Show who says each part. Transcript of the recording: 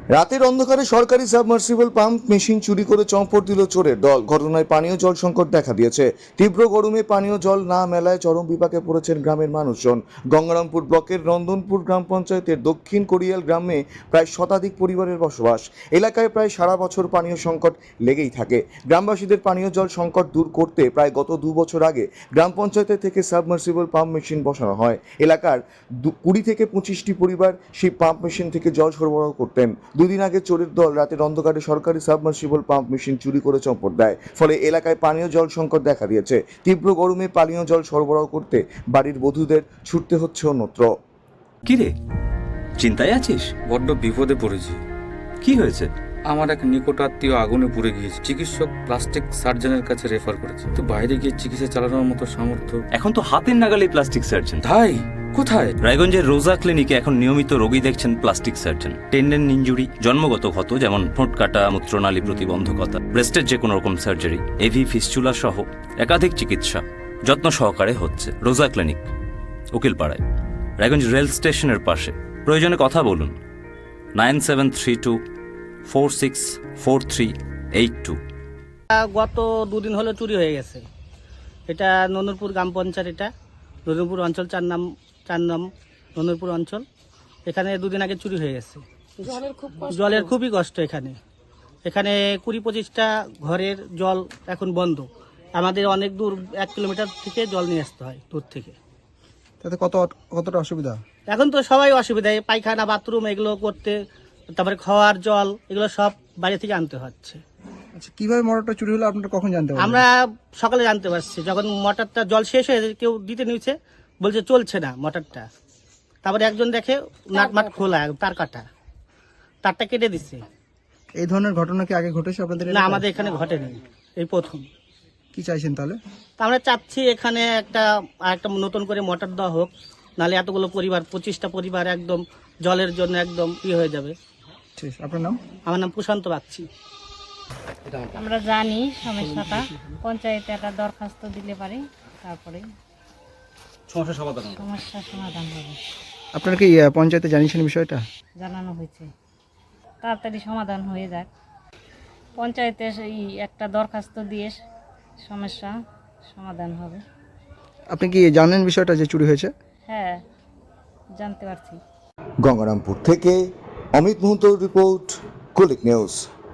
Speaker 1: রাতের অন্ধকারে সরকারি সাবমার্সিবল পাম্প মেশিন চুরি করে চম্পট দিল চোরের দল। ঘটনায় পানীয় জল সংকট দেখা দিয়েছে। তীব্র গরমে পানীয় জল না মেলায় চরম বিপাকে পড়েছেন গ্রামের মানুষজন। গঙ্গারামপুর ব্লকের নন্দনপুর গ্রাম পঞ্চায়েতের দক্ষিণ কোরিয়াল গ্রামে প্রায় শতাধিক পরিবারের বসবাস। এলাকায় প্রায় সারা বছর পানীয় সংকট লেগেই থাকে। গ্রামবাসীদের পানীয় জল সংকট দূর করতে প্রায় গত 2 বছর আগে গ্রাম পঞ্চায়েতের থেকে সাবমার্সিবল পাম্প মেশিন বসানো হয়। এলাকার 20 থেকে 25টি পরিবার সেই পাম্প মেশিন থেকে জল সরবরাহ করতেন। দুদিন আগে চোরের দল রাতের অন্ধকারে সরকারি সাবমার্সিবল পাম্প মেশিন চুরি করে চম্পট দেয়। ফলে এলাকায় পানীয় জল সংকট দেখা দিয়েছে। তীব্র গরমে পানীয় জল সরবরাহ করতে বাড়ির বধূদের ছুটতে হচ্ছে অন্যত্র।
Speaker 2: কি রে, চিন্তায় আছিস?
Speaker 3: বড্ড বিপদে পড়েছি।
Speaker 2: কি হয়েছে?
Speaker 3: আমার এক নিকট আত্মীয় আগুনে পুড়ে গিয়েছে। চিকিৎসক প্লাস্টিক সার্জনের কাছে রেফার করেছে, তো বাইরে গিয়ে চিকিৎসা চালানোর মতো সামর্থ্য।
Speaker 2: এখন তো হাতের নাগালে প্লাস্টিক সার্জন।
Speaker 3: ভাই কোথায়?
Speaker 2: রায়গঞ্জের রোজা ক্লিনিকে এখন নিয়মিত রোগী দেখছেন প্লাস্টিক সার্জন। টেন্ডেন ইনজুরি, জন্মগত ক্ষত যেমন ঠোঁট কাটা, মূত্রনালী প্রতিবন্ধকতা, ব্রেস্টের যে কোনো রকম সার্জারি, এভি ফিস্চুলা সহ একাধিক চিকিৎসা যত্ন সহকারে হচ্ছে রোজা ক্লিনিক, উকিলপাড়ায়, রায়গঞ্জ রেল স্টেশনের পাশে। প্রয়োজনে কথা বলুন 9732464382।
Speaker 4: গত 2 দিন হলো চুরি হয়ে গেছে। এটা নন্দনপুর গ্রাম পঞ্চায়েত, এটা নন্দনপুর অঞ্চল 4 নাম নন্দনপুর অঞ্চল। এখানে 2 দিন আগে চুরি হয়ে গেছে। জলের খুবই কষ্ট এখানে। 20-25টা ঘরের জল এখন বন্ধ। আমাদের অনেক দূর 1 কিলোমিটার থেকে জল নিয়ে আসতে হয় দূর থেকে।
Speaker 5: তাতে কতটা অসুবিধা?
Speaker 4: এখন তো সবাই অসুবিধায়, পায়খানা বাথরুম এগুলো করতে, তারপরে খাওয়ার জল এগুলো সব বাইরে থেকে আনতে হচ্ছে।
Speaker 5: আচ্ছা, কিভাবে মোটরটা চুরি হলো আপনারা কখন জানতে পারলেন?
Speaker 4: আমরা সকালে জানতে পারছি, যখন মোটরটা জল শেষ হয়ে কেউ দিতে নিয়েছে, বলছে চলছে না মোটরটা। তারপরে একজন দেখে নাটমাট খোলা, তারটা কেটে দিচ্ছে।
Speaker 5: এই ধরনের ঘটনা কি আগে ঘটেছে আপনাদের
Speaker 4: না,
Speaker 5: এলাকায়?
Speaker 4: আমাদের এখানে ঘটেনি, এই প্রথম।
Speaker 5: কি চাইছেন তাহলে?
Speaker 4: তা আমরা চাচ্ছি এখানে একটা নতুন করে মোটর দেওয়া হোক, নাহলে এতগুলো পরিবার, 25টা পরিবার একদম জলের জন্য একদম হয়ে যাবে।
Speaker 5: ঠিক, আপনার নাম?
Speaker 4: আমার নাম প্রশান্ত বাগচি।
Speaker 6: আমরা জানি সমস্যাটা, পঞ্চায়েতে একটা দরখাস্ত দিলে পারে, তারপরে সমস্যা সমাধান হবে।
Speaker 5: আপনারা কি পঞ্চায়েতে জানিয়েছেন বিষয়টা?
Speaker 6: জানানো হয়েছে, তাড়াতাড়ি সমাধান হয়ে যাক। পঞ্চায়েতে এই একটা দরখাস্ত দিয়ে সমস্যা সমাধান হবে।
Speaker 5: আপনি কি জানেন বিষয়টা যে চুরি হয়েছে?
Speaker 6: হ্যাঁ, জানতে পারছি।
Speaker 1: গঙ্গারামপুর থেকে অমিত মুহূর্ত রিপোর্ট, কুলিক নিউজ।